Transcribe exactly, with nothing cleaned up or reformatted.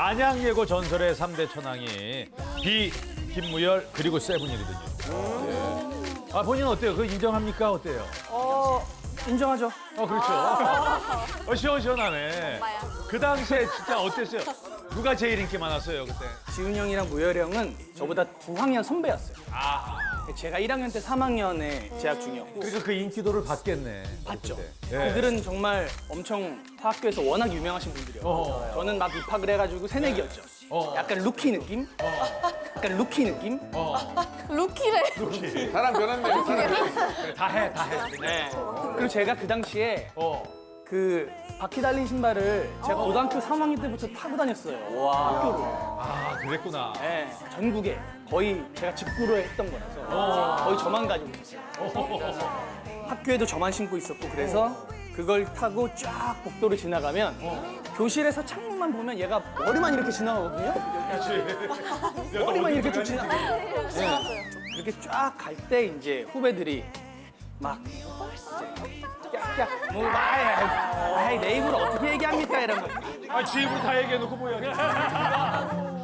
안양예고 전설의 삼 대 천왕이 비, 김무열 그리고 세븐이거든요. 네. 아 본인 어때요? 그거 인정합니까? 어때요? 어, 인정하죠. 어 그렇죠. 어, 시원시원하네. 그 당시에 진짜 어땠어요? 누가 제일 인기 많았어요 그때? 지훈 형이랑 무열 형은 저보다 두 학년 선배였어요. 아 제가 일 학년 때 삼 학년에 재학 중이었고 그러니까 그 인기도를 받겠네. 봤죠. 그때. 네. 그들은 정말 엄청 학교에서 워낙 유명하신 분들이었고 어. 저는 막 입학을 해가지고 새내기였죠. 어. 약간 루키 느낌? 약간 루키 느낌? 어, 루키래. 사람 변했네. 그래, 다 해, 다 해. 네. 그리고 제가 그 당시에 어. 그 바퀴 달린 신발을 제가 고등학교 삼 학년 때부터 타고 다녔어요. 학교를. 아 그랬구나. 네, 전국에 거의 제가 직구로 했던 거라서 거의 저만 가지고 있었어요. 학교에도 저만 신고 있었고 그래서 그걸 타고 쫙 복도를 지나가면 교실에서 창문만 보면 얘가 머리만 이렇게 지나가거든요. 머리만 이렇게 쭉 지나. 네. 그렇게 쫙 갈 때 이제 후배들이 막 이제 깍깍 뭐 아이, 아이 내 입으로 어떻게 얘기합니까 이런 거. 아, 지 입으로 다 얘기해놓고 뭐야.